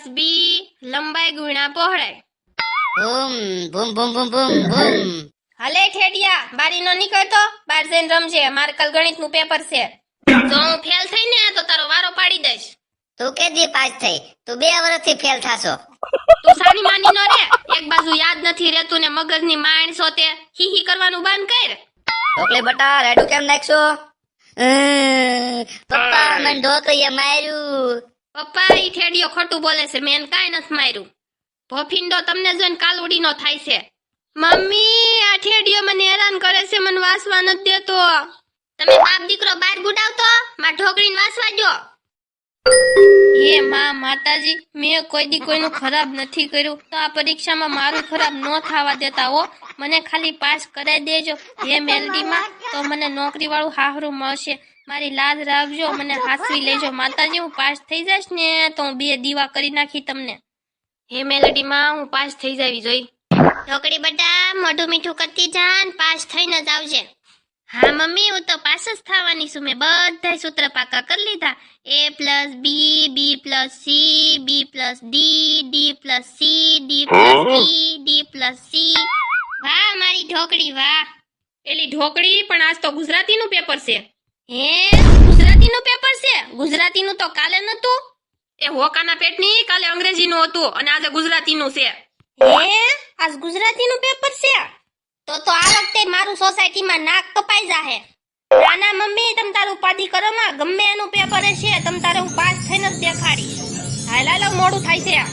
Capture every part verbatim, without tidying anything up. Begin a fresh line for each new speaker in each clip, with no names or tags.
Plus બી લંબાઈ ગુણ્યા પહોળાઈ.
બૂમ બૂમ બૂમ બૂમ બૂમ બૂમ.
હાલે ઠેડિયા, બારી નો નીકળતો, બાર જઈને રમજે. મારે કાલ ગણિત નું પેપર છે. જો હું ફેલ થઈ ને તો તારો વારો પાડી દઈશ.
તું કેદી પાસ થઈ? તું બે વર્ષથી ફેલ થાશો.
તું સાની માની નો રે. એક બાજુ યાદ નથી રહેતું ને મગજની માણ સોતે હી હી કરવાનું બંધ કર.
ઢોકળી બટા રેડું કેમ નાખશો? પપ્પા મને ઢોકળીએ માર્યું.
પપ્પા ઈ ઠેડિયો ખોટું બોલે છે, મેં કાઈ નથી માર્યું. ભોફિંડો તમને જોઈને કાલુડીનો થાય છે. મમ્મી આ ઠેડિયો મને હેરાન કરે છે, મને વાસવા નથી દેતો. તમે બાપ દીકરો બહાર ગુડાવતો, માં ઢોકળીને વાસવા દો. હે માં માતાજી, મેં કોઈ દી કોઈનું ખરાબ નથી કર્યું, તો આ પરીક્ષામાં મારું ખરાબ ન થવા દેતા હો. મને ખાલી પાસ કરાઈ દેજો. હે મેલડીમાં, તો મને નોકરી વાળું હાહરું મળશે. મારી લાજ રાખજો, મને હાસવી લેજો. માતાજી હું પાસ થઈ જઈશ ને તો હું બે દીવા કરી નાખી તમને. હે મેલડીમાં, હું પાસ થઈ જાવી જોઈ. ઢોકળી બટા મોઢું મીઠું કરતી જાન, પાસ થઈને જ આવજે. હા મમ્મી, હું તો પાસ જ થવાની છું. મેં બધા સૂત્ર પાકા કરી લીધા. A plus B, B plus C, B plus D, D plus C, D plus E, D plus C. વાહ મારી ઢોકળી વાહ. એલી ઢોકળી, પણ આજ તો ગુજરાતીનું પેપર છે. હે ગુજરાતીનું પેપર છે? ગુજરાતીનું તો કાલે નતું. એ હોકાના પેટની, કાલે અંગ્રેજીનું હતું અને આજે ગુજરાતીનું છે. હે આજ ગુજરાતીનું પેપર છે? તો તો આ વખતે મારું સોસાયટીમાં નાક કપાઈ જાહે. નાના મમ્મી, તમ તારું ઉપાધિ કરો માં, ગમે એનું પેપર છે, તમ તારે હું પાસ થઈને જ દેખાડી. હાલ હાલો મોડું થાય છે.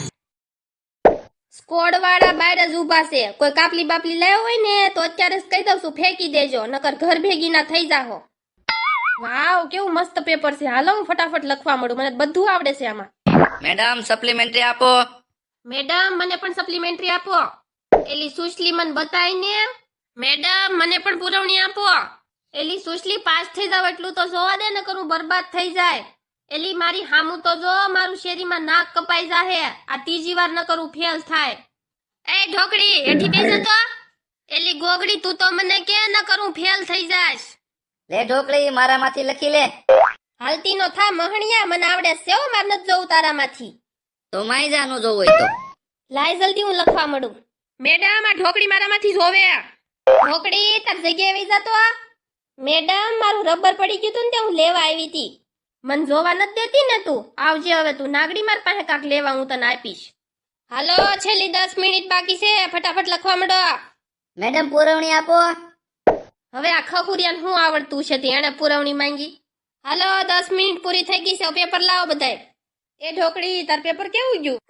સ્કોડ વાળા બહાર જ ઊભા છે. કોઈ કાપલી બાપલી લાવ્યો હોય ને તો અત્યારે જ કહી દઉં છું, ફેંકી દેજો, નકર ઘર ભેગી ના થઈ જાહો. વાવ કેવું મસ્ત પેપર છે. હાલો હું ફટાફટ લખવા મળું, મને બધું આવડે છે આમાં.
મેડમ સપ્લિમેન્ટરી આપો.
મેડમ મને પણ સપ્લિમેન્ટરી આપો. એલી સુશલી મને બતાય ને. મેડમ મને પણ પુરવણી આપો. એલી સુશલી પાસ થઈ જાવ એટલું તો જોવા દે, ને કરું બરબાદ થઈ જાય. એલી મારી હામું તો જો, મારું શેરીમાં નાક કપાઈ જાહે. આ ત્રીજી વાર ન કરું ફેલ થાય. એ ઢોકળી હેઠી બેસે તો. એલી ગોગડી તું તો મને કે ન કરું ફેલ થઈ જાશ.
લે ઢોકળી મારામાંથી લખી લે.
હાલતી નો થા મહણિયા, મને આવડે છે હો, માર નથી જોવું તારામાંથી.
તો માઈ જાનું જોવું હોય તો
લાય જલ્દી હું લખવા મળું. મેડમ આ ઢોકળી મારામાંથી જોવે. ઢોકળી તાર જગ્યાએ વઈ જાતો. મેડમ મારું રબર પડી ગયું તું ને તે હું લેવા આવી હતી. મન જોવા નથી દેતી ને તું. આવજે હવે તું નાગડી, માર પાસે કાક લેવા હું તને આપીશ. હાલો છેલ્લી દસ મિનિટ બાકી છે, ફટાફટ લખવા માંડો.
મેડમ પુરવણી આપો.
હવે આ ખખુરિયાને શું આવડતું છે તે એને પુરવણી માંગી. હાલો દસ મિનિટ પૂરી થઈ ગઈ છે, પેપર લાવો બધાય. એ ઢોકળી તાર પેપર કેવું ગયું?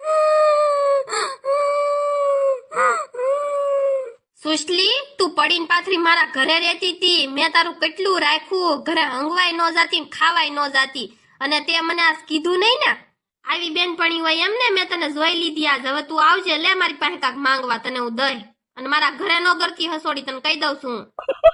સુશલી તું પડીને પાથરી મારા ઘરે રહેતી હતી. મેં તારું કેટલું રાખ્યું, ઘરે હંગવાય ન જાતી, ખાવાય ન જાતી, અને તે મને આ કીધું નહીં ને. આવી બેનપણી હોય એમ ને, મેં તને જોઈ લીધી આજ. હવે તું આવજે, લે મારી પાસે કાક માંગવા, તને હું દઈ. અને મારા ઘરે નો ગરકી હસોડી, તને કહી દઉં છું.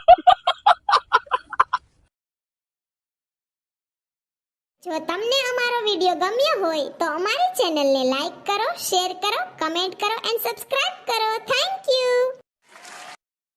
જો તમને અમારો વિડિયો ગમ્યો હોય તો અમારી ચેનલને લાઈક કરો, શેર કરો, કમેન્ટ કરો એન્ડ સબસ્ક્રાઇબ કરો. Thank you.